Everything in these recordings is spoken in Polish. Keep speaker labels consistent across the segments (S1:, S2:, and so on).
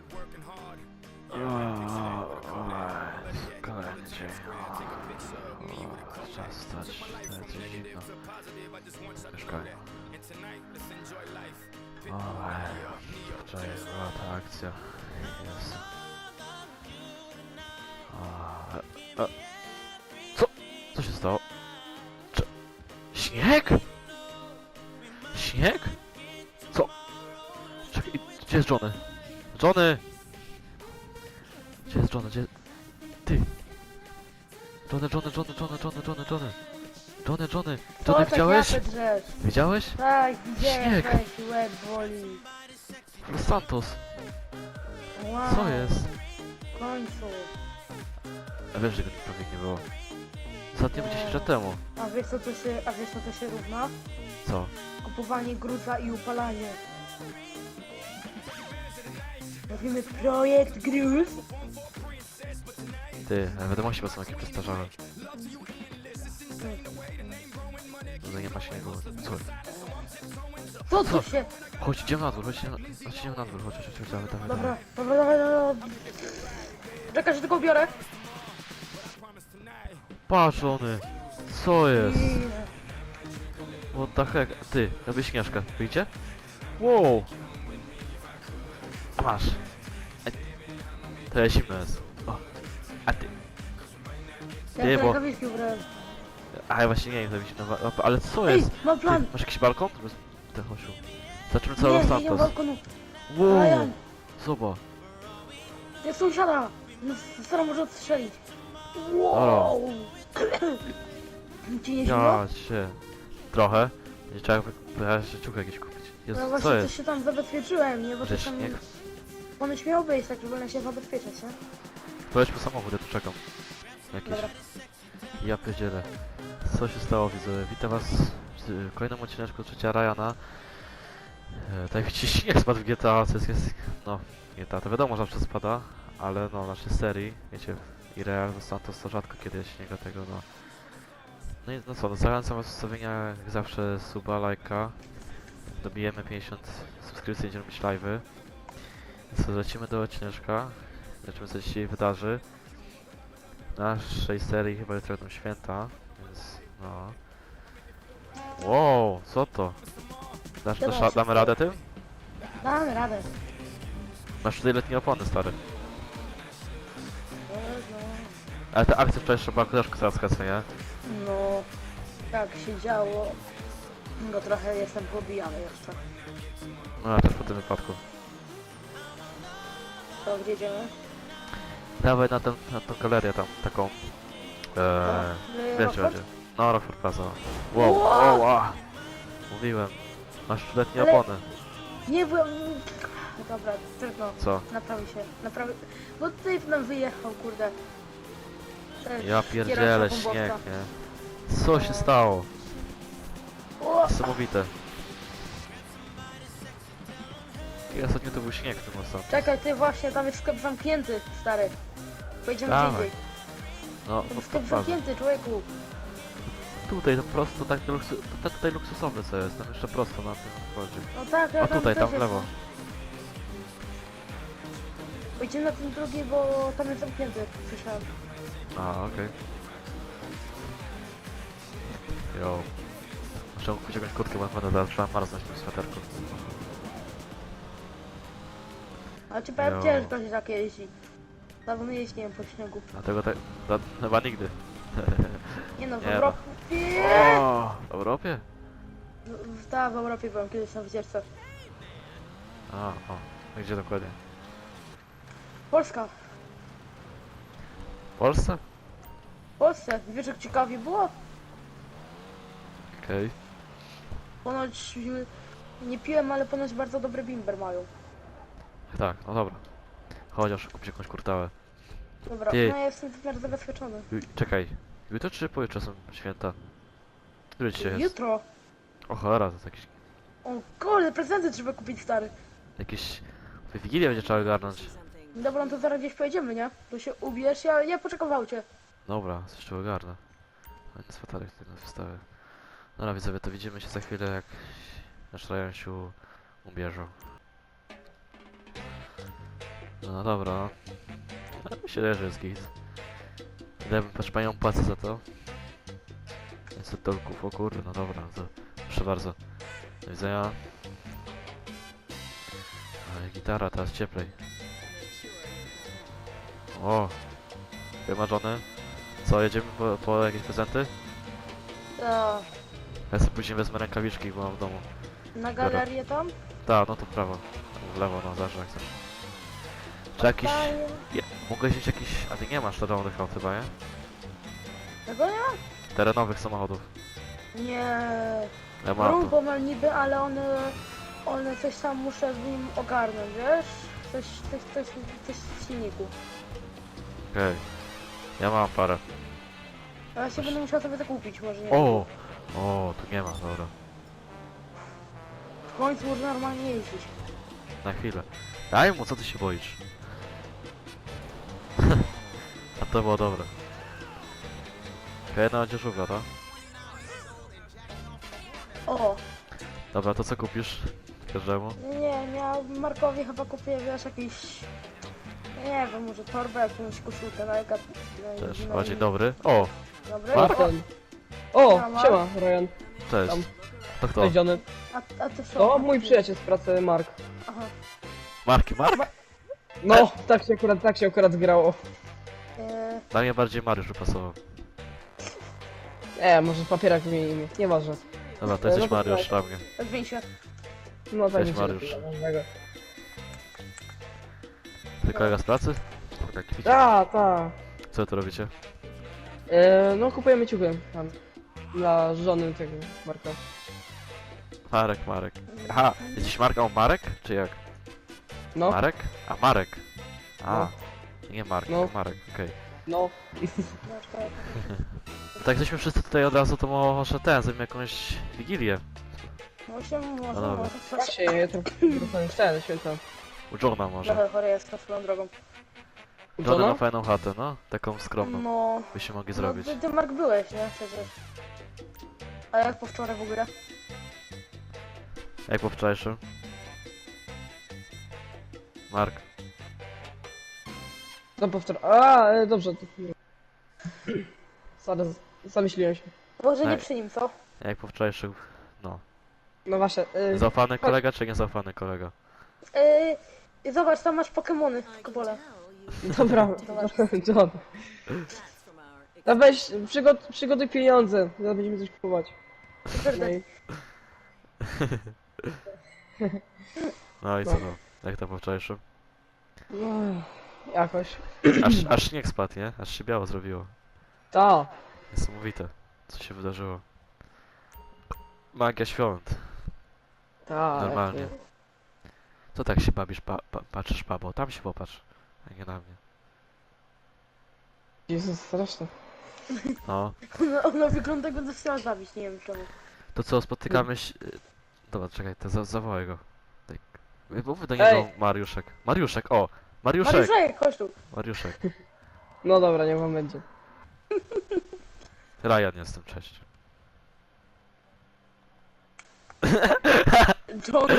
S1: Kolejny dzień. Czas stać, lecę zimno. Mieszkanie. Wczoraj była ta akcja. Jest. Co? Co się stało? Śnieg? Śnieg? Co? Czekaj, gdzie jest Johnny? Johnny! Gdzie jest Johnny? Gdzie... Ty! Johnny! Johnny, widziałeś? Widziałeś?
S2: Tak, widziałem,
S1: Śnieg.
S2: weź, łeb boli.
S1: Los Santos!
S2: Wow,
S1: Co jest?
S2: w końcu.
S1: A wiesz, że go prawie nie było. Ostatnio 10 lat temu.
S2: A wiesz co to się równa?
S1: Co?
S2: Kupowanie gruza i upalanie. Robimy projekt gruz.
S1: Ty, wiadomości są jakieś przestarzałe. No nie ma śniegu. Co?
S2: Co tu się?
S1: Chodź, idziemy na dwór, chodź, idziemy na dwór, chodź, dawaj.
S2: Dobra. Czekaj, że tylko biorę.
S1: Patrz, Johnny! Co jest?
S2: I...
S1: What the heck? Ty, robię śnieżkę, wyjdzie? Wow! A masz! To jest zimno jest. O. A ty?
S2: Ja
S1: Nie, bo...
S2: rękawiczki ubrałem.
S1: A ja właśnie nie wiem, to mi się ale co
S2: Ej,
S1: jest?
S2: mam plan.
S1: Ty, masz jakiś balkon? Ten chosiu. Zaczynamy cały
S2: Nie,
S1: Los
S2: nie mam
S1: Santos.
S2: balkonu.
S1: Wow!
S2: Ryan.
S1: Zobacz.
S2: Jak sąsiada. No, stara może odstrzelić. Wow. Ci nie zimno?
S1: Ja się. Trochę. Nie trzeba jeszcze ciuchy jakieś kupić. Jezu,
S2: No
S1: co
S2: właśnie,
S1: jest?
S2: coś się tam zabezpieczyłem, nie? Bo
S1: Że
S2: to tam...
S1: śnieg?
S2: Ponoć miał być, tak żeby się zabezpieczać, nie?
S1: Pojedź po samochód, ja tu czekam. Jakiś.
S2: Dobra.
S1: Ja pierdzielę. Co się stało, widzowie? Witam was w kolejnym odcineczku trzecia Ryana. Tak widzicie, śnieg spadł w GTA, co jest... No, GTA to wiadomo, że zawsze spada, ale no, w naszej serii, wiecie, i Real Los Santos to rzadko kiedy jest śniega tego, no. No i no co, no zachęcam was do zostawienia jak zawsze suba, lajka. Dobijemy 50 subskrypcji, będziemy robić live'y. Więc co, lecimy do odcineczka. Zobaczymy, co się dzisiaj wydarzy. W naszej serii chyba jutro będą święta, więc no. Wow, co to? Damy radę tym?
S2: Damy radę.
S1: Masz tutaj letnie opony, stary.
S2: No,
S1: Ale te akcje wczoraj była koleżka teraz nie?
S2: no, tak się działo. No trochę jestem pobijany jeszcze.
S1: No ja też po tym wypadku.
S2: To gdzie idziemy?
S1: Dawaj na tą galerię tam, taką... Wiesz gdzie będzie. No, Rockford Plaza. Wow,
S2: Wow!
S1: wow, mówiłem. Masz letnie
S2: Ale-
S1: opony.
S2: Nie byłem... No dobra, trudno.
S1: Co?
S2: Naprawi... Bo tutaj nam wyjechał, kurde.
S1: Ja pierdzielę,
S2: kierowca
S1: śnieg,
S2: bombowca.
S1: nie? Co się stało?
S2: O!
S1: Niesamowite. I ostatnio to był śnieg w tym ostatnim.
S2: Czekaj, ty właśnie, tam jest sklep zamknięty, stary. Pojedziemy gdzie
S1: Dawaj.
S2: indziej.
S1: No,
S2: Tam
S1: pod
S2: jest sklep
S1: Plaza.
S2: zamknięty, człowieku.
S1: Tutaj to prosto, tak to tutaj luksusowe co jest, tam jeszcze prosto na tym wchodzi.
S2: No tak,
S1: A tutaj,
S2: też
S1: tam w
S2: jest.
S1: lewo.
S2: Pojedziemy na ten drugi, bo tam jest zamknięty, słyszałem.
S1: A, okej. Jo. Muszę kupić jakąś kurtkę, bo będę zaraz trzeba marznąć w tym sweterku.
S2: Ale ci powiem,
S1: Jo.
S2: ciężko się takie jeździ. Dawno nie jeździłem po śniegu.
S1: Dlatego tak... Chyba nigdy.
S2: Nie no, w
S1: Nie no.
S2: Europie...
S1: O, w Europie?
S2: Tak, w Europie byłem kiedyś na wycieczce.
S1: A, gdzie dokładnie?
S2: Polska.
S1: W Polsce?
S2: W Polsce. Wiesz jak ciekawie było?
S1: Okej.
S2: Ponoć... Nie piłem, ale ponoć bardzo dobry bimber mają.
S1: Tak, no dobra. Chociaż kupić jakąś kurtałę.
S2: Dobra,
S1: Ty.
S2: no ja jestem teraz zabezpieczony.
S1: Czekaj. Jutro czy pojutrze są święta? Który dzisiaj jest?
S2: Jutro.
S1: O cholera, to jest jakiś...
S2: O kurde, prezenty trzeba kupić, stary.
S1: Jakiś... Wigilię będzie trzeba ogarnąć.
S2: Dobra, no to zaraz gdzieś pojedziemy, nie? To się ubierz, ja poczekam w aucie.
S1: Dobra, coś tu ogarnę. No i sweterek tego wstawię. Dobra widzowie, to widzimy się za chwilę jak nasz Ryan się ubierze. No dobra, no. Ale myślę, że jest git. Ile bym proszę panią płacę za to? 500 dolków, o kurde, no dobra, to proszę bardzo. Do widzenia. No i gitara, teraz cieplej. O! Wymarzony. Co, jedziemy po jakieś prezenty?
S2: To
S1: Ja sobie później wezmę rękawiczki, bo mam w domu.
S2: na galerię tam?
S1: Tak, no to w prawo. W lewo, no zawsze jak chcesz. Czy jakiś... Mogę wziąć jakiś... A ty nie masz terenowych aut chyba, nie?
S2: Tego nie?
S1: Terenowych samochodów.
S2: Nie.
S1: Ja mam to.
S2: Rumbo mam niby, ale one coś tam muszę w nim ogarnąć, wiesz? Coś w silniku.
S1: Okej. Ja mam parę.
S2: A ja się będę musiał sobie to kupić, może nie.
S1: O! O, tu nie ma, dobra.
S2: W końcu można normalnie jeździć.
S1: Na chwilę. Daj mu, co ty się boisz? A to było dobre. Okej, no będzie żółwia, tak?
S2: O!
S1: Dobra, to co kupisz każdemu?
S2: Nie, ja Markowi chyba kupię, wiesz, jakiś... Nie wiem, może torbę, jakąś koszulkę na jaka...
S1: Też, o, dzień dobry. O!
S2: Dobry?
S1: Mark?
S3: Ten. O,
S2: Siema.
S3: siema, Ryan.
S1: Cześć.
S3: Tam.
S1: To kto?
S3: Cześć, Johnny.
S2: A ty co?
S3: To mój przyjaciel z pracy, Mark.
S2: Aha.
S1: Marki, Mark?
S3: No, tak się akurat zgrało.
S1: Dla mnie bardziej Mariusz wypasował.
S3: Może papierak zmieni imię, nieważne.
S1: Dobra, to
S3: No
S1: jesteś
S3: to
S1: Mariusz
S3: tak.
S1: dla mnie.
S2: Zmień się.
S3: No tak
S1: Cześć,
S3: mi się
S1: Mariusz.
S3: lepiej, ważnego.
S1: Ty kolega z pracy? Tak, widzicie.
S3: Ta.
S1: Co tu robicie?
S3: No kupujemy ciuchy tam. Dla żony tego Marka.
S1: Marek. Aha, jesteś Mark, a on Marek? Czy jak?
S3: No,
S1: Marek? A, Marek. A,
S3: No.
S1: nie Mark,
S3: No.
S1: tylko Marek, okej.
S3: no.
S2: No, czekaj.
S1: No tak jesteśmy wszyscy tutaj od razu, to może zrobimy jakąś wigilię.
S2: Może,
S1: dobra.
S3: Tak się je, to już ten, święta.
S1: U Johna może.
S2: Trochę chory jestem swoją drogą.
S1: John ma
S3: Żona?
S1: fajną chatę, no. Taką skromną.
S2: No,
S1: Byście mogli
S2: no
S1: zrobić.
S2: ty Mark byłeś, nie? Przecież. A jak po wczoraj w ogóle?
S1: Jak po wczorajszym? Mark.
S3: No powtór. Dobrze. To... Sorry, zamyśliłem się.
S2: Może nie
S1: Ej.
S2: przy nim, co?
S1: Jak po wczorajszym? No.
S3: No właśnie,
S1: Zaufany kolega czy niezaufany kolega?
S2: Zobacz, tam masz Pokemony, Kopole.
S3: dobra, John. No weź, przygotuj pieniądze, zaraz będziemy coś kupować. No i...
S1: No i co no? Jak to po wczorajszym?
S3: No, jakoś.
S1: Aż śnieg spadł, nie? Aż się biało zrobiło.
S3: Ta.
S1: Niesamowite. Co się wydarzyło? Magia świąt.
S3: Ta.
S1: Normalnie. Co tak się bawisz, patrzysz, babo? Tam się popatrz. A nie na mnie.
S3: Jezus, straszne.
S1: No.
S2: Ona wygląda jakby to chciała zabić, nie wiem czemu.
S1: To co, spotykamy się... Dobra, czekaj, to zawołaj go. Tak. Mów do niego Mariuszek. Mariuszek, o! Mariuszek!
S2: Mariuszek, chodź tu.
S1: Mariuszek.
S3: No dobra, nie wam będzie.
S1: Ryan jestem, cześć.
S2: John,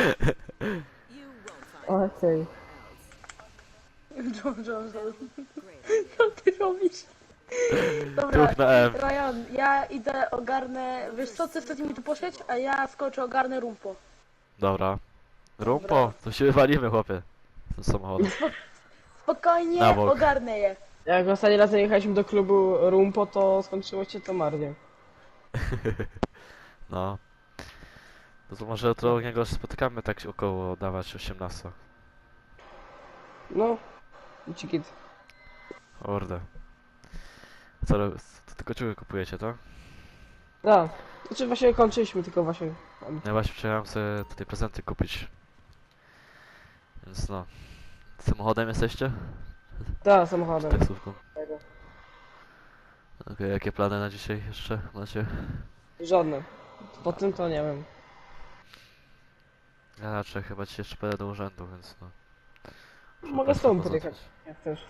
S3: Okej.
S2: John. Co ty robisz? Dobra,
S1: Tuch na M.
S2: Ryan, ja idę ogarnę, wiesz co, ty chcesz mi tu poszedć, a ja skoczę ogarnę rumpo.
S1: Dobra. Rumpo, to się wywalimy, chłopie. Z tym samochodem.
S2: Spokojnie,
S1: Na bok.
S2: ogarnę je.
S3: Jak ostatni raz jechaliśmy do klubu Rumpo, to skończyło się to marnie.
S1: No. To może jutro u niego się spotykamy tak około dawać 18.
S3: No. Cikit.
S1: Kurde. Co, to tylko ciuchy kupujecie, tak?
S3: Da. Znaczy właśnie kończyliśmy, tylko właśnie...
S1: Ja właśnie przyjechałem sobie tutaj prezenty kupić. Więc no. Samochodem jesteście?
S3: Da, samochodem.
S1: Taksówką. Okej, jakie plany na dzisiaj jeszcze macie?
S3: Żadne. Po tym to nie wiem.
S1: Ja raczej chyba dzisiaj jeszcze pojadę do urzędu, więc no. Muszę
S3: Mogę z
S1: państwa
S3: tobą
S1: pozostać.
S3: podjechać, jak chcesz.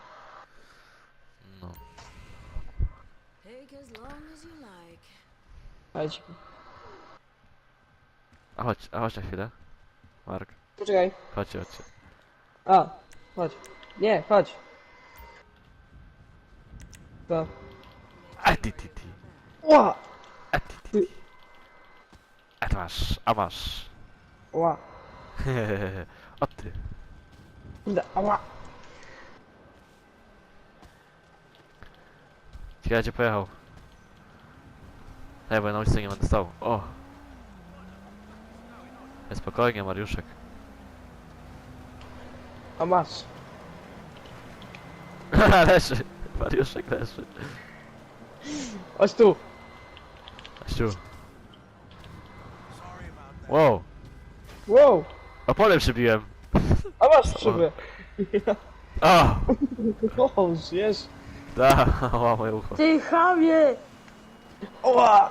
S1: No.
S4: Take as long as you like.
S3: Chodź.
S1: A chodź na chwilę. Mark,
S3: Poczekaj.
S1: chodźcie.
S3: Chodź. Nie, chodź. To.
S1: A ty.
S3: Ła!
S1: A ty. A masz, a masz.
S3: Ła.
S1: O ty.
S3: Ała.
S1: Ciekawe gdzie pojechał. Bo ja na ulicy nie będę stał. O! Spokojnie, Mariuszek.
S3: A masz.
S1: Leży! Mariuszek leży.
S3: Chodź tu.
S1: Ściu. Wow!
S3: Wow.
S1: Opolem przybiłem!
S3: A masz szyby.
S1: O!
S3: O, żyjesz.
S1: Da! O, moje ucho.
S2: Ty chamie!
S3: Ła!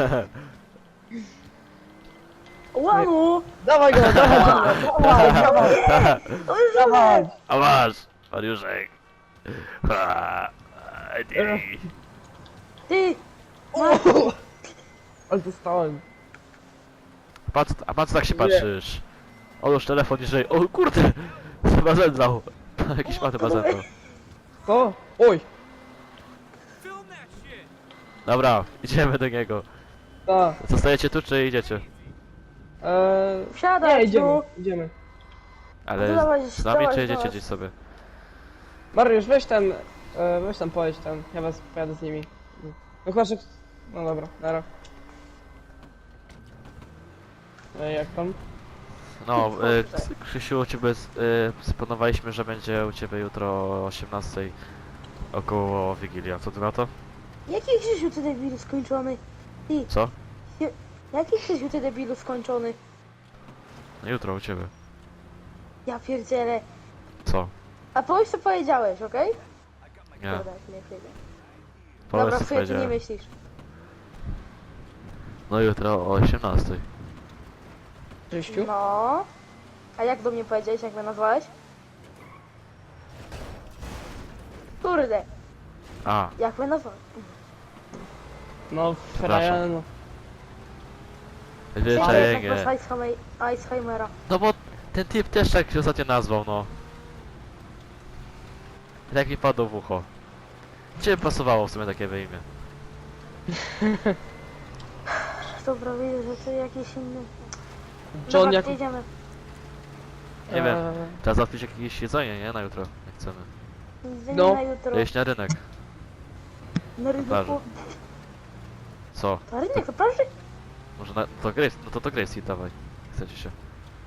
S2: Łamu!
S3: Dawaj go, dawaj go, dawaj, dawaj,
S2: To jest
S3: dawaj.
S1: A masz! Mariuszek! Ha, ty.
S2: Ty!
S3: O! Ale dostałem.
S1: A patrz tak się
S3: Nie.
S1: patrzysz. Odłóż telefon niżej. O kurde! Chyba zemdlał. Jakiś ma chyba zemdlał.
S3: Co? Oj.
S1: Dobra, idziemy do niego.
S3: Ta.
S1: Zostajecie tu czy idziecie?
S2: Wsiadaj
S3: Nie, idziemy,
S2: tu!
S3: idziemy.
S1: Ale
S2: No dawaj,
S1: z nami
S2: dawaj,
S1: czy jedziecie
S2: dawaj.
S1: gdzieś sobie?
S3: Mariusz, weź tam pojedź tam, ja was pojadę z nimi. No chyba, że... No dobra, nara. Jak tam?
S1: No, Krzysiu, u ciebie splanowaliśmy, że będzie u ciebie jutro o 18 około Wigilia. Co ty na to?
S2: Jaki Krzysiu ty debilu skończony? Ty,
S1: Co?
S2: jaki Krzysiu ty debilu skończony?
S1: No jutro u ciebie.
S2: Ja pierdzielę.
S1: Co?
S2: A powiedz co powiedziałeś, okej?
S1: Nie.
S2: Dobra, nie chwilę.
S1: Powiedz
S2: Dobra,
S1: co
S2: w sumie ty nie
S1: powiedziałem.
S2: myślisz.
S1: No jutro o 18.
S3: Krzyściu?
S2: No. A jak do mnie powiedziałeś, jak mnie nazwałeś? Kurde,
S1: A,
S2: jak mnie nazwałeś?
S3: No,
S1: Przepraszam.
S3: Ferrari, no.
S1: zwyczajnie.
S2: Iceheimera.
S1: No bo ten typ też tak się ostatnio nazwał, no. Tak mi padło w ucho. Ciebie pasowało w sumie takie imię.
S2: Dobra, widzę, że to jakieś inne...
S3: John
S2: Dobra,
S3: jak...
S2: jedziemy.
S1: Nie wiem.
S3: Eee,
S1: Trzeba załatwić jakieś jedzenie, nie? Na jutro, jak chcemy.
S2: Jedziemy
S3: No.
S2: na jutro.
S1: To jeść na rynek.
S2: Na rynku.
S1: Plaży. Co?
S2: Na rynek, to plaży?
S1: Może na... to Grace, no to Grace dawaj. Chcecie się.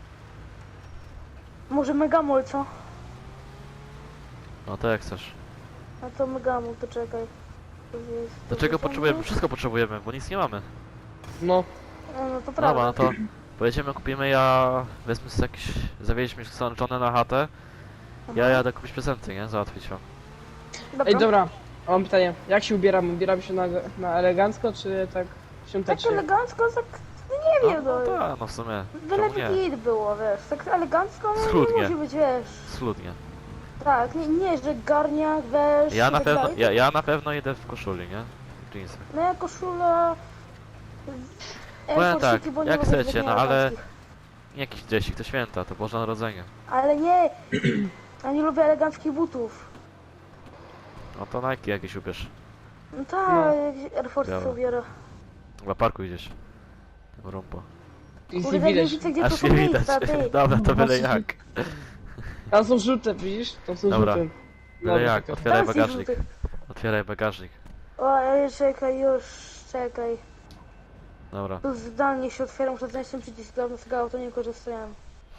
S2: Może Megamol, co?
S1: No to jak chcesz.
S2: A to Megamol, to czekaj. To jest-
S1: Do
S2: to
S1: czego
S2: jest-
S1: potrzebujemy? Wszystko potrzebujemy, bo nic nie mamy.
S3: no.
S2: No to
S1: Dobra,
S2: prawda.
S1: no to pojedziemy, kupimy, ja wezmę sobie jakieś... Zawieźliśmy sączone na chatę. Ja jadę kupić prezenty, nie? Załatwić wam.
S3: Ej, dobra, a mam pytanie. Jak się ubieram? Ubieram się na elegancko, czy tak
S2: Tak
S3: świątecznie?
S2: elegancko, tak... No nie
S1: No,
S2: wiem,
S1: no
S2: no.
S1: tak, no w sumie.
S2: Byle
S1: Czemu nie?
S2: git było, wiesz. Tak elegancko, no
S1: Schludnie.
S2: nie musi być, wiesz.
S1: Schludnie.
S2: Tak, nie, że garniak, wiesz.
S1: Ja
S2: i
S1: na
S2: tak
S1: pewno,
S2: dalej.
S1: ja na pewno idę w koszuli, nie? W jeansach.
S2: No ja koszula...
S1: Powiem tak,
S2: Airpodsiki, bo nie
S1: jak
S2: mogę
S1: chcecie,
S2: zbyt
S1: no ale-
S2: eleganckich.
S1: Nie jakiś dresik, to święta, to Boże Narodzenie.
S2: Ale nie! Ja nie lubię eleganckich butów.
S1: No to Nike jakieś ubierz.
S2: No tak,
S3: No.
S2: jakieś Air Force
S1: Dobra.
S2: ubiorę.
S1: Chyba parku idziesz. Tym rumpo.
S3: Nic
S2: Kurde,
S3: nie
S2: nie
S3: widać.
S2: widzę, gdzie to
S1: Aż
S2: są
S1: nie widać.
S2: miejsca, ty.
S1: Dobra, to byle
S3: Właśnie.
S1: jak.
S3: Tam są żółte, widzisz? Tam są
S1: Dobra.
S3: żółte.
S1: Byle
S3: Dobra,
S1: jak,
S3: czekaj.
S1: otwieraj
S2: Tam jest
S1: bagażnik.
S2: żółty.
S1: Otwieraj bagażnik.
S2: O, czekaj, już, czekaj.
S1: Dobra.
S2: Tu zdalnie się otwieram, muszę znaleźć ten przycisk, dawno z tego auto nie korzystałem.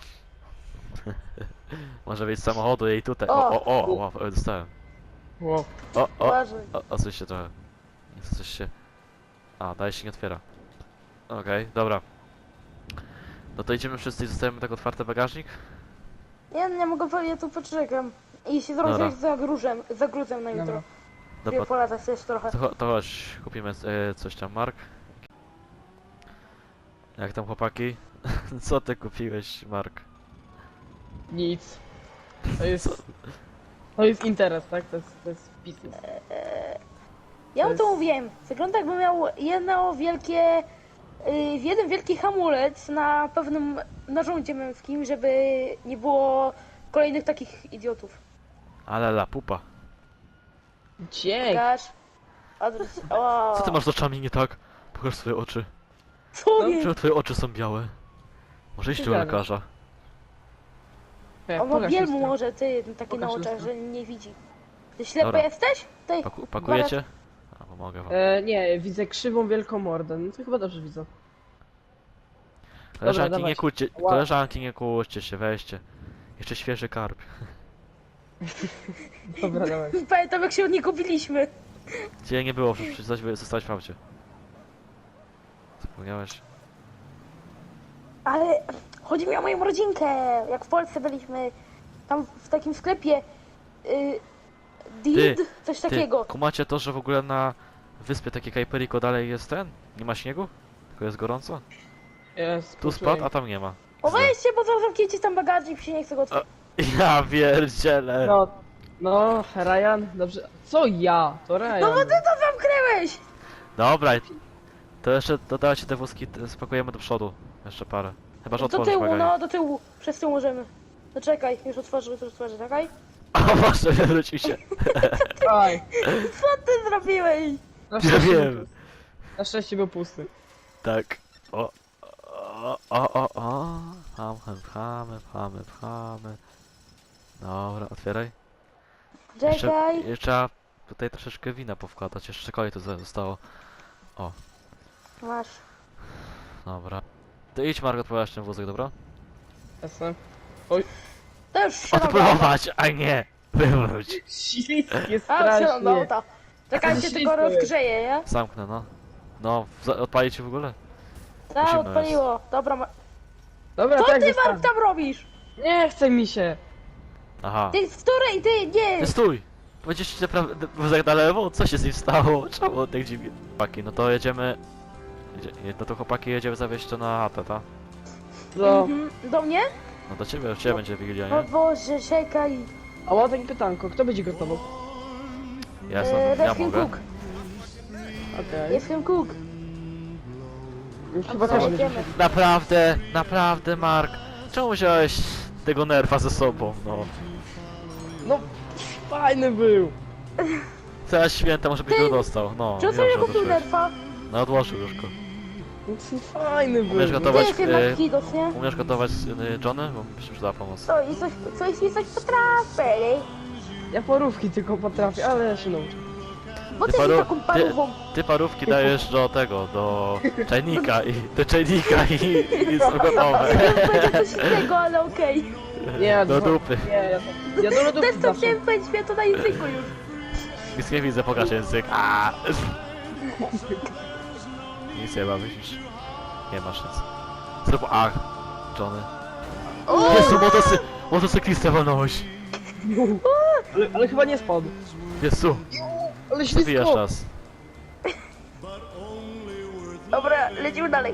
S1: Może wyjść z samochodu jej tutaj.
S2: O!
S1: O, dostałem.
S3: Wow.
S1: O,
S2: Uważaj.
S1: coś się trochę. Coś się... A, dalej się nie otwiera. Okej, dobra. No to idziemy wszyscy i zostajemy tak otwarty bagażnik?
S2: Nie mogę powiedzieć, ja tu poczekam. I się
S1: Dobra.
S2: zrobić za gruzem na jutro.
S3: Dobra.
S1: Dobra,
S2: Polatać też trochę.
S1: to chodź, kupimy coś tam, Mark. Jak tam chłopaki? Co ty kupiłeś, Mark?
S3: Nic. To jest... To jest interes, tak? To jest biznes.
S2: Ja wam
S3: To
S2: to
S3: jest-
S2: mówiłem. Wygląda jakby miał jeden wielki hamulec na pewnym narządzie męskim, żeby nie było kolejnych takich idiotów.
S1: Ale la pupa.
S3: Dzięki.
S2: Gasz. Adres. O,
S1: Co ty masz z oczami nie tak? Pokaż swoje oczy.
S2: co
S3: No,
S2: jest?
S1: Czemu twoje oczy są białe? Może iść do
S3: Gadasz.
S1: lekarza.
S2: On ma
S3: Pokaż
S2: wielmu
S3: lustro.
S2: może, ty, taki na
S3: Pokaż
S2: oczach,
S3: lustro.
S2: że nie widzi. Ty ślepy
S1: Dobra.
S2: jesteś? Ty,
S1: Pakujecie? A, pomogę wam.
S3: Nie, widzę krzywą wielką mordę. No to chyba dobrze widzę.
S1: Koleżanki,
S3: dawaj.
S1: nie kłóćcie,
S3: Ła.
S1: koleżanki, nie kłóćcie się, weźcie. Jeszcze świeży karp.
S3: Dobra, dawaj.
S2: Pamiętam jak się od niego biliśmy.
S1: Gdzie nie było, przecież zostałeś w aucie. Zapomniałeś?
S2: Ale chodzi mi o moją rodzinkę. Jak w Polsce byliśmy, tam w takim sklepie. Did, coś takiego.
S1: Kumacie to, że w ogóle na wyspie takie Kajperiko dalej jest ten? Nie ma śniegu? Tylko jest gorąco?
S3: Jest,
S1: Tu spadł, a tam nie ma.
S2: O weźcie, bo zaraz zamknięcie tam bagażnik, się nie chce go otworzyć.
S1: Ja pierdzielę!
S3: No, Ryan, dobrze. Co ja? To Ryan.
S2: No bo ty to zamknęłeś!
S1: Dobra, to jeszcze dodajcie te wózki, spakujemy do przodu. Jeszcze parę. Chyba, że
S2: Do
S1: otworzysz
S2: tyłu,
S1: bagażnik.
S2: no do tyłu. Przez tył możemy. No czekaj, już otworzę, czekaj.
S1: O Boże, wywrócił się.
S3: Aj,
S2: Co ty zrobiłeś?
S3: na
S1: Ja
S3: szczęście
S1: wiem.
S3: był- Na szczęście był pusty.
S1: Tak. O. Pchamy. Dobra, otwieraj.
S2: Czekaj.
S1: Jeszcze trzeba tutaj troszeczkę wina powkładać. Jeszcze kolej tu zostało.
S2: Masz.
S1: Dobra. To idź Margot, pojaśnij ten wózek, dobra?
S3: Jasne.
S2: To już się
S1: Odprowadź, a nie! Wywróć.
S3: Śliskie
S2: A, się
S3: strasznie.
S2: no ta. Czekajcie,
S3: Ale
S2: tylko
S3: śliskie.
S2: rozgrzeję, nie?
S1: Zamknę, no. No, odpalić ci w ogóle?
S2: Tak,
S1: Musimy
S2: odpaliło. Dobra,
S3: Dobra,
S2: co
S3: tak
S2: ty
S3: zostawię.
S2: Mark tam robisz?
S3: Nie chce mi się.
S1: Aha.
S2: Ty, w której? Ty, nie!
S1: Ty stój! Będziesz ci naprawdę wózek na lewo? Co się z nim stało? Czemu on tak dziwnie? Chłopaki, no to jedziemy... No to chłopaki jedziemy zawieźć to na chatę, ta?
S3: No.
S2: Mhm. Do mnie?
S1: No do ciebie będzie Wigilia,
S2: O
S1: nie?
S2: Boże, czekaj.
S3: A mam takie pytanko, kto będzie gotował?
S1: Ja
S2: Refkin
S1: mogę.
S2: Cook.
S3: Okej.
S2: Refkin Cook.
S3: Chyba
S2: Co,
S3: też
S2: jedziemy?
S1: Naprawdę, Mark. Czemu wziąłeś tego nerfa ze sobą, no?
S3: No, fajny był.
S1: Teraz święta może byś
S2: Ty,
S1: go dostał, no.
S2: Czy
S1: wiem,
S2: sobie
S1: że
S2: kupił
S1: odłożyłeś.
S2: nerfa?
S1: No odłożył już go.
S3: No, fajny był.
S1: Umiesz
S2: Ty
S1: gotować,
S2: jakie masz kidos, nie?
S1: umiesz gotować Johnny? Bo mi się przyda pomoc.
S2: Co, i coś potrafię, nie?
S3: Ja porówki tylko potrafię, ale ja się nauczę.
S2: Bo
S1: Ty
S2: ty jesteś
S1: paru-
S2: taką parówą.
S1: Ty parówki dajesz do tego, do czajnika i są gotowe.
S2: Będzie coś innego, ale okej.
S3: Nie,
S1: Do dupy.
S3: Nie, ja do lodówki
S2: Też to
S3: zawsze.
S2: chciałem powiedzieć, mnie to na języku już.
S1: Nic nie widzę, pokaż język. Nic nie ma, myślisz? Nie masz nic. Zrób ach, Johnny. Jezu, motocyklistę walnąłeś.
S3: Ale chyba nie spadł.
S1: Jezu,
S3: Ale
S1: zabijasz
S3: ślisko.
S1: nas.
S2: Dobra, lecimy dalej.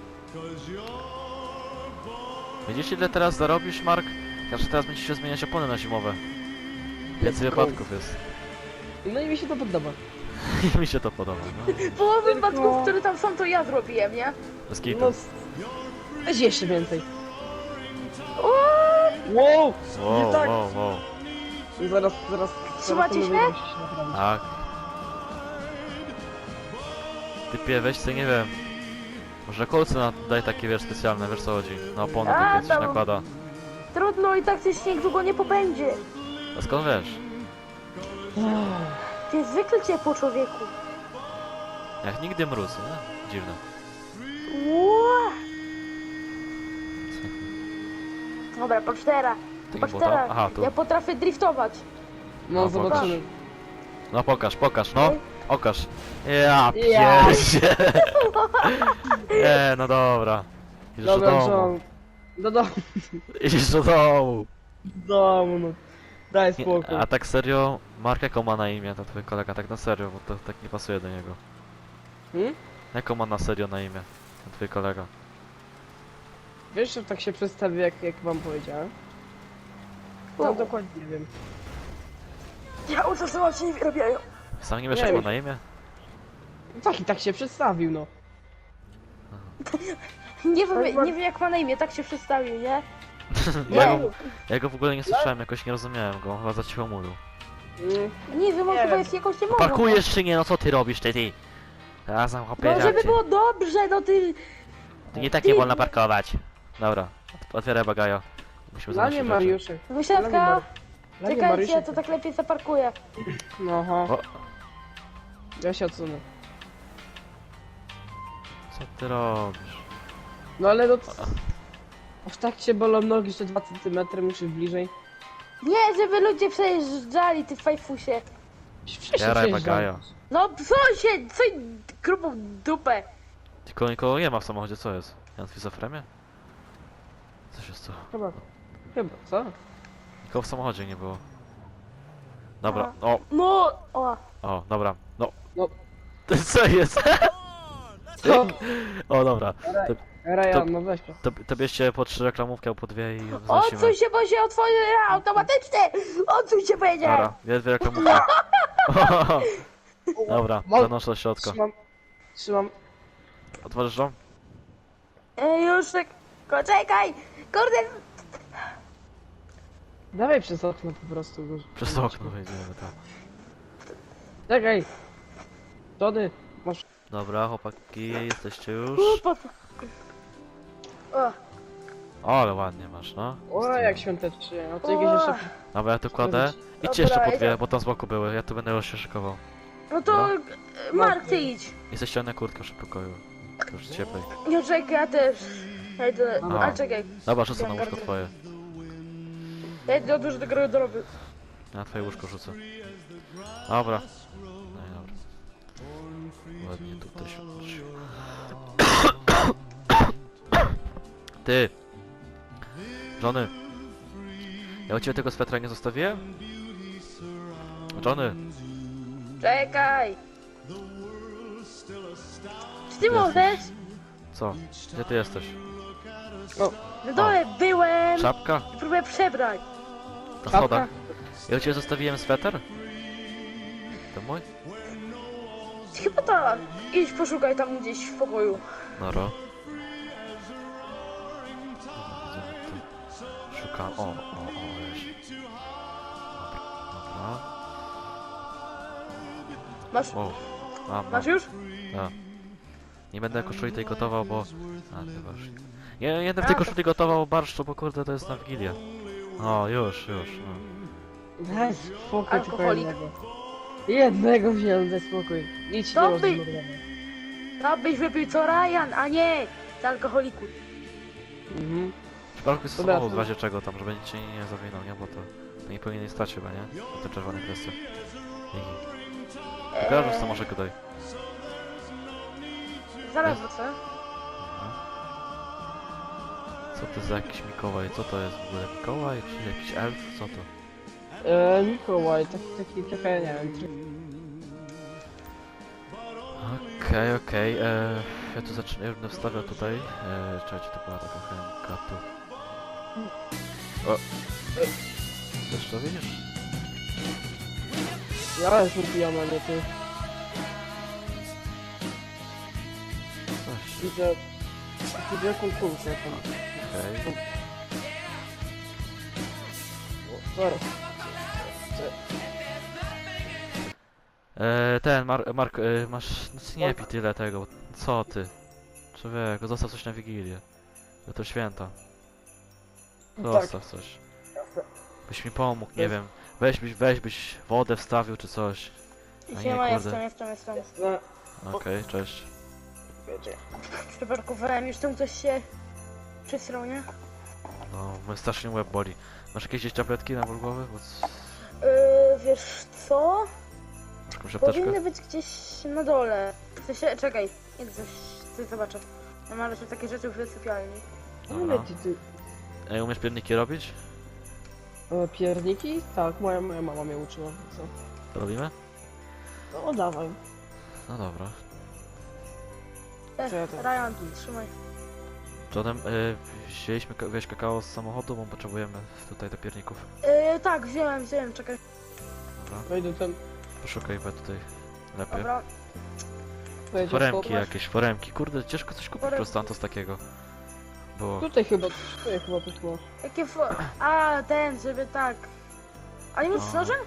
S1: Widzisz ile teraz zarobisz, Mark? Każdy teraz będzie się zmieniać opony na zimowe. Więcej wypadków jest.
S3: No i mi się to podoba.
S1: I mi się to podoba, no.
S2: Połowę wypadków, które tam są, to ja zrobiłem, nie?
S1: Bez
S3: No,
S1: kitu.
S3: weź jeszcze więcej.
S2: O,
S3: Wow!
S1: Wow,
S3: tak.
S1: wow.
S3: Zaraz
S2: Trzymacie
S3: to
S2: się?
S3: mówię, musi się naprawić.
S1: Tak. Typie, weź co nie wiem. Może kolce daj takie, wiesz, specjalne, wiesz co chodzi. Na opony
S2: A,
S1: takie coś
S2: tam-
S1: nakłada.
S2: trudno i tak ten śnieg długo nie pobędzie.
S1: A skąd wiesz?
S2: To jest zwykle ciepło, człowieku.
S1: Jak nigdy mróz, nie? Dziwne.
S2: Ła. Dobra, patrz teraz.
S1: Tak
S2: Patrz
S1: było tam?
S2: teraz.
S1: Aha, tu.
S2: Ja potrafię driftować.
S3: No,
S1: No,
S3: zobaczymy.
S1: No pokaż, no. Okaż. Ja
S3: Ja.
S1: pierdzie. Nie, no dobra. Idziesz do
S3: Dobra,
S1: domu.
S3: John. Do domu,
S1: Idziesz do domu.
S3: no. Daj
S1: Nie,
S3: spokój.
S1: a tak serio, Mark jaką ma na imię, to twój kolega, tak na serio, bo to tak nie pasuje do niego.
S3: Hmm?
S1: Jaką ma na serio na imię, ten twój kolega?
S3: Wiesz, że tak się przedstawi, jak wam powiedziałem? No
S2: O.
S3: dokładnie nie wiem.
S2: Ja uczestniczę się nie wyrabiają.
S1: Sam nie wiesz
S3: Nie
S1: jak ma
S3: wiem.
S1: na imię?
S3: Tak i tak się przedstawił, no.
S2: Nie wiem jak ma na imię, tak się przedstawił, nie?
S1: Ja go w ogóle nie słyszałem, jakoś nie rozumiałem go, chyba za cicho mówił.
S2: Nie wiem, on
S3: Nie
S2: chyba
S3: wiem.
S2: jest jakoś nie mogą.
S1: Parkujesz czy nie? No co ty robisz, ty? Teraz tam chłopie,
S2: No żeby
S1: cię.
S2: było dobrze, no ty...
S1: Tu nie tak nie wolno parkować. Dobra, otwieraj bagajo. Musimy
S3: Dla
S1: zanosić
S3: mnie
S1: rzeczy.
S3: Mariuszek.
S2: Wysiadka,
S3: Dla mnie
S2: czekajcie,
S3: Mariuszek.
S2: to tak lepiej zaparkuję.
S3: No aha.
S1: O,
S3: Ja się odsunę.
S1: co ty robisz?
S3: No ale no... Aż tak się bolą nogi, że 2 cm muszę bliżej.
S2: Nie, żeby ludzie przejeżdżali, ty fajfusie.
S3: Wcześniej
S1: Jaraj
S3: przejeżdżałem.
S1: bagajo.
S2: No co się, co grubą dupę.
S1: Tylko nikogo nie ma w samochodzie, co jest? Jan w schizofrenie? Co się stało?
S3: Chyba. Chyba, co?
S1: Nikogo w samochodzie nie było. Dobra, o,
S2: No, o.
S1: dobra, no.
S3: No.
S1: Co jest?
S3: Co?
S1: O, dobra.
S3: Ryan, no weź to.
S1: To bierzcie po 3 reklamówki albo po 2 i wnosimy.
S2: Odsuń się, bo się otworzy automatycznie. Odsuń się, powiedziałem.
S1: Dobra, jest 2 reklamówki. Dobra,
S3: Mam-
S1: zanoszę do środka.
S3: Trzymam.
S1: Otworzysz to?
S2: Już, czekaj. Kurde,
S3: Dawaj przez okno po prostu.
S1: Przez to okno wejdziemy, tak.
S3: Czekaj. Tony, masz...
S1: Dobra, chłopaki, jesteście już.
S2: O,
S1: O, ale ładnie masz, no.
S3: O, jak świątecznie. No to jakieś jeszcze...
S1: Dobra, ja tu kładę. Idźcie
S2: Dobra,
S1: jeszcze po 2,
S2: idę.
S1: bo tam z boku były. Ja tu będę już się szykował.
S2: no to Mark, ty idź.
S1: I ze ściany kurtkę w pokoju. Już cieplej.
S2: Nie, czekaj, ja też. Ja idę,
S1: A.
S2: a czekaj.
S1: Dobra, rzucę na łóżko twoje.
S2: Ja idę dużo do garderoby.
S1: Ja na twoje łóżko rzucę. Dobra. No i dobra. Ładnie tutaj się odnosił. Ty! Johnny! Ja u ciebie tego swetra nie zostawiłem? Johnny!
S2: Czekaj. Czy ty
S1: Jasne.
S2: możesz?
S1: Co? Gdzie ty jesteś?
S2: Na dole byłem
S1: Czapka?
S2: i próbuję przebrać.
S1: Na
S3: Czapka?
S1: schodach? Ja u ciebie zostawiłem sweter? To mój?
S2: Chyba tak. Idź poszukaj tam gdzieś w pokoju.
S1: Noro. Szukam. O, wiesz. Dobra.
S2: Masz,
S1: O, mam.
S2: masz już?
S1: A. Nie będę koszuli tej gotował, bo... A, to barszcz. Nie będę w tej koszuli gotował barszczu, bo kurde to jest na Wigilię. O, już. No.
S3: Daj spokój tylko
S2: Alkoholik.
S3: jednego. Jednego wziąłem, daj spokój. Idź,
S2: To
S3: nie
S2: by-
S3: można.
S2: To byś wypił co Ryan, a nie z alkoholiku.
S3: Mhm.
S1: W przypadku jest
S3: Dobra,
S1: samochód, w
S3: to-
S1: razie czego tam, żeby nic się nie zawinął, nie? Bo to nie powinien stać chyba, nie? Na tym czerwonym kwestii. Pokażesz co może gadaj.
S2: Zaraz wrócę.
S1: Co to za jakiś Mikołaj? Co to jest w ogóle? Mikołaj? Czy jakiś elf? Co to?
S3: Mikołaj, taki trochę, nie wiem.
S1: Okej. Ja tu zacznę, ja będę wstawiał tutaj. Czekajcie, to była taka chemika tu. O! Też to widzisz?
S3: Ja jestem pijana, nie ty.
S1: Coś.
S3: Widzę... Widzę jaką kulkę tam.
S1: Okej.
S3: Zaraz.
S1: Mark, masz... No, nie pij tyle tego. Co ty? Człowieku, zostaw coś na Wigilię. Bo to święta. Zostaw coś. Byś mi pomógł, nie wiem. Weź byś wodę wstawił czy coś. A nie,
S2: Siema,
S1: kurde.
S2: jestem.
S3: No,
S1: Okej, cześć.
S2: Przeparkowałem, już tam coś się przysrał, nie?
S1: No, mój strasznie łeb boli. Masz jakieś gdzieś tabletki na ból głowy?
S2: Wiesz co?
S1: Masz jakąś apteczkę?
S2: Powinny być gdzieś na dole. W sensie, czekaj, idę coś zobaczę. Ja mam jeszcze takie rzeczy w sypialni.
S3: mówię
S1: Dobra.
S3: ci, ty...
S1: Ej, umiesz pierniki robić?
S3: Pierniki? Tak, moja mama mnie uczyła, co?
S1: To robimy?
S3: No dawaj.
S1: No dobra.
S3: Co ja to-
S2: Ryan, trzymaj.
S1: Johnem, wzięliśmy kakao z samochodu, bo potrzebujemy tutaj do pierników.
S2: Tak, wziąłem, czekaj.
S1: Dobra,
S3: Wejdę ten...
S1: poszukaj we tutaj lepiej.
S2: Dobra,
S3: Wejdzie
S1: Foremki
S3: schować.
S1: jakieś, foremki. Kurde, ciężko coś kupić
S2: Foremki.
S1: prosto z takiego. Było.
S3: Tutaj chyba coś było.
S2: Jakie A, ten, żeby tak. A nie możesz z
S1: No.
S2: nożem?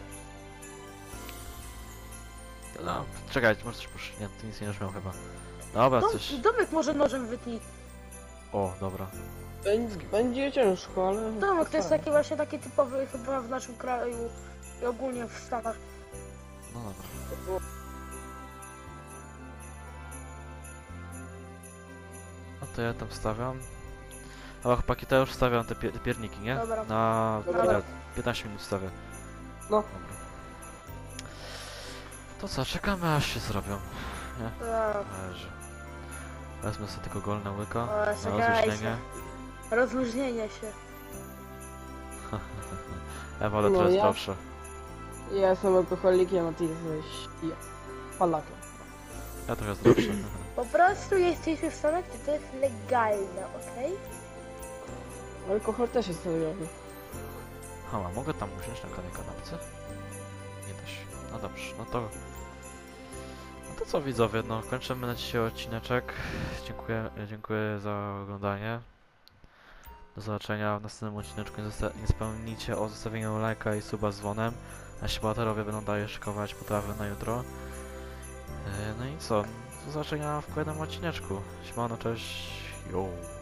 S1: No, czekaj, może coś pusz. Nie, ty nic nie miał chyba. Dobra, coś...
S2: Domek może nożem wytnij.
S1: O, dobra.
S3: Będzie ciężko, ale...
S2: Domek to jest taki właśnie taki typowy chyba w naszym kraju i ogólnie w Stanach.
S1: No dobra. No to ja tam stawiam. Ale chłopaki, to ja już stawiam te pierniki, nie?
S2: Dobra.
S1: Na
S3: Dobra.
S1: ile? 15 minut stawię.
S3: No.
S1: Dobra. To co, czekamy aż się zrobią.
S2: Tak.
S1: Leży. Wezmę sobie tylko golne łyka
S2: O,
S1: na
S2: czekajcie.
S1: rozluźnienie.
S2: Rozluźnienie się.
S1: Ewa, ale
S3: No,
S1: to jest
S3: ja-
S1: dobrze.
S3: Ja jestem alkoholikiem, a ty jesteś... Polakiem.
S1: Ja trochę zdrowszy.
S2: Po prostu jesteśmy w Stanach, gdzie to jest legalne, okej?
S3: Alkohol też jest legalny.
S1: Hała, mogę tam usiąść na kolejnej kanapce? Nie da się. No dobrze, no to... No to co widzowie, no kończymy na dzisiaj odcineczek. Dziękuję za oglądanie. Do zobaczenia w następnym odcineczku. Nie zapomnijcie o zostawieniu lajka i suba z dzwonem. Nasi bohaterowie będą dalej szykować potrawy na jutro. No i co? Do zobaczenia w kolejnym odcineczku. Siemano, cześć. Yo.